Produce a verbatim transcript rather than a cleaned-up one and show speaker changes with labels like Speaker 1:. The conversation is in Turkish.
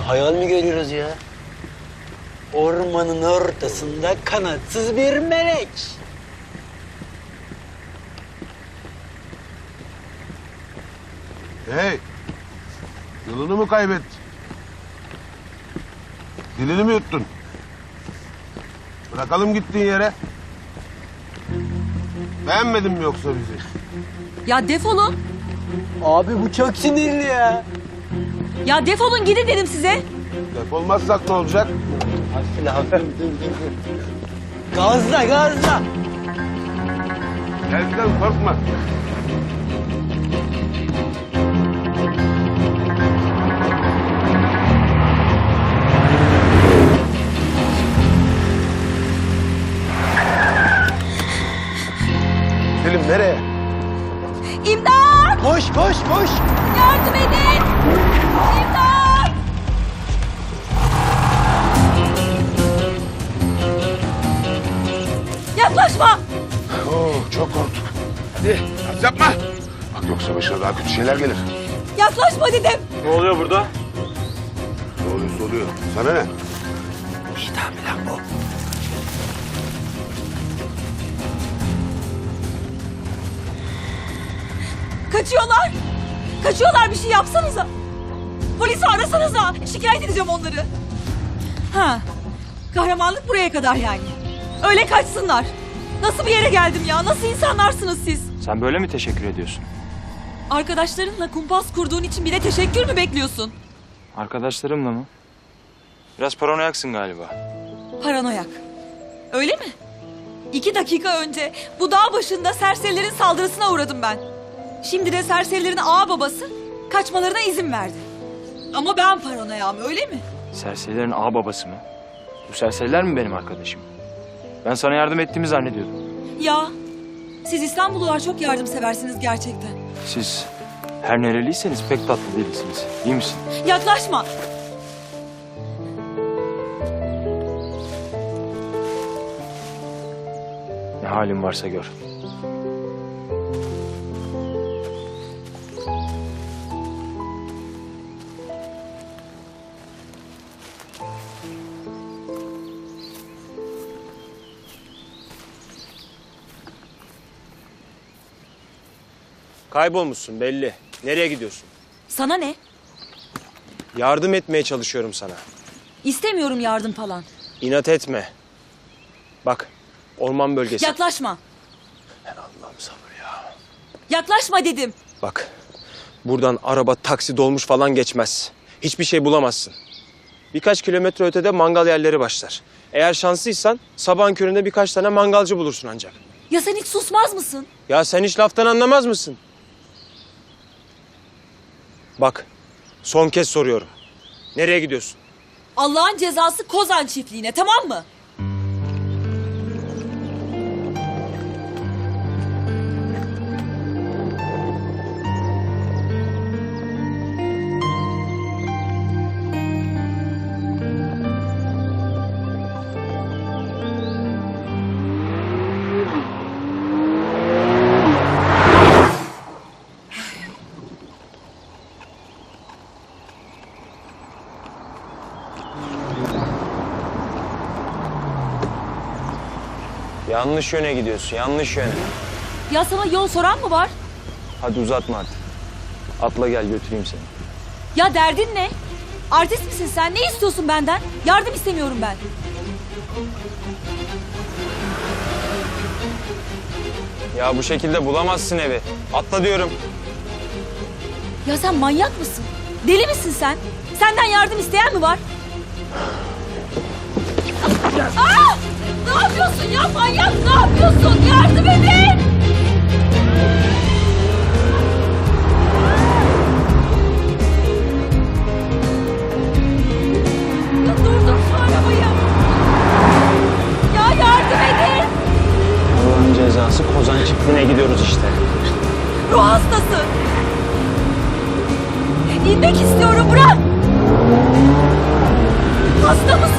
Speaker 1: hayal mi görüyoruz ya? Ormanın ortasında kanatsız bir melek.
Speaker 2: Hey! Yolunu mu kaybettin? Dilini mi yuttun? Bırakalım gittiğin yere. Beğenmedin mi yoksa bizi?
Speaker 3: Ya defolun.
Speaker 1: Abi bu çok sinirli ya.
Speaker 3: Ya defolun gidin dedim size.
Speaker 2: Defolmazsak ne olacak?
Speaker 1: Hafif hafif. Gazla gazla.
Speaker 2: Gel gidelim, korkma. Selim nereye?
Speaker 3: İmdat!
Speaker 1: Koş koş koş.
Speaker 3: Yardım edin! İmdat! Yaklaşma!
Speaker 2: Oo, çok korktuk. Hadi, hadi yapma. Bak yoksa başına daha kötü şeyler gelir.
Speaker 3: Yaklaşma dedim.
Speaker 4: Ne oluyor burada?
Speaker 2: Ne oluyorsa oluyor. Sana ne?
Speaker 1: İdam lan bu.
Speaker 3: Kaçıyorlar. Kaçıyorlar, bir şey yapsanıza. Polisi arasanıza. Şikayet edeceğim onları. Ha. Kahramanlık buraya kadar yani. Öyle kaçsınlar. Nasıl bir yere geldim ya? Nasıl insanlarsınız siz?
Speaker 4: Sen böyle mi teşekkür ediyorsun?
Speaker 3: Arkadaşlarınla kumpas kurduğun için bile teşekkür mü bekliyorsun?
Speaker 4: Arkadaşlarımla mı? Biraz paranoyaksın galiba.
Speaker 3: Paranoyak. Öyle mi? İki dakika önce bu dağ başında serserilerin saldırısına uğradım ben. Şimdi de serserilerin ağa babası kaçmalarına izin verdi. Ama ben paranoyam, öyle mi?
Speaker 4: Serserilerin ağa babası mı? Bu serseriler mi benim arkadaşım? Ben sana yardım ettiğimi zannediyordum.
Speaker 3: Ya siz İstanbullular çok yardımseversiniz gerçekten.
Speaker 4: Siz her nereliyseniz pek tatlı değilsiniz. İyi misin?
Speaker 3: Yaklaşma.
Speaker 4: Ne halin varsa gör.
Speaker 5: Kaybolmuşsun belli. Nereye gidiyorsun?
Speaker 3: Sana ne?
Speaker 5: Yardım etmeye çalışıyorum sana.
Speaker 3: İstemiyorum yardım falan.
Speaker 5: İnat etme. Bak, orman bölgesi.
Speaker 3: Yaklaşma.
Speaker 5: Allah'ım sabır ya.
Speaker 3: Yaklaşma dedim.
Speaker 5: Bak, buradan araba, taksi, dolmuş falan geçmez. Hiçbir şey bulamazsın. Birkaç kilometre ötede mangal yerleri başlar. Eğer şanslıysan sabahın köründe birkaç tane mangalcı bulursun ancak.
Speaker 3: Ya sen hiç susmaz mısın?
Speaker 5: Ya sen hiç laftan anlamaz mısın? Bak, son kez soruyorum. Nereye gidiyorsun?
Speaker 3: Allah'ın cezası Kozan çiftliğine, tamam mı?
Speaker 5: Yanlış yöne gidiyorsun, yanlış yöne.
Speaker 3: Ya sana yol soran mı var?
Speaker 5: Hadi uzatma artık. Atla gel götüreyim seni.
Speaker 3: Ya derdin ne? Artist misin sen? Ne istiyorsun benden? Yardım istemiyorum ben.
Speaker 5: Ya bu şekilde bulamazsın evi. Atla diyorum.
Speaker 3: Ya sen manyak mısın? Deli misin sen? Senden yardım isteyen mi var? Aa! Ne yapıyorsun ya manyak? Ne yapıyorsun? Yardım edin! Ya durdur şu arabayı. Ya yardım edin!
Speaker 5: Allah'ın cezası Kozan çiftliğine gidiyoruz işte.
Speaker 3: Ruh hastası. İnmek istiyorum, bırak. Hasta mısın?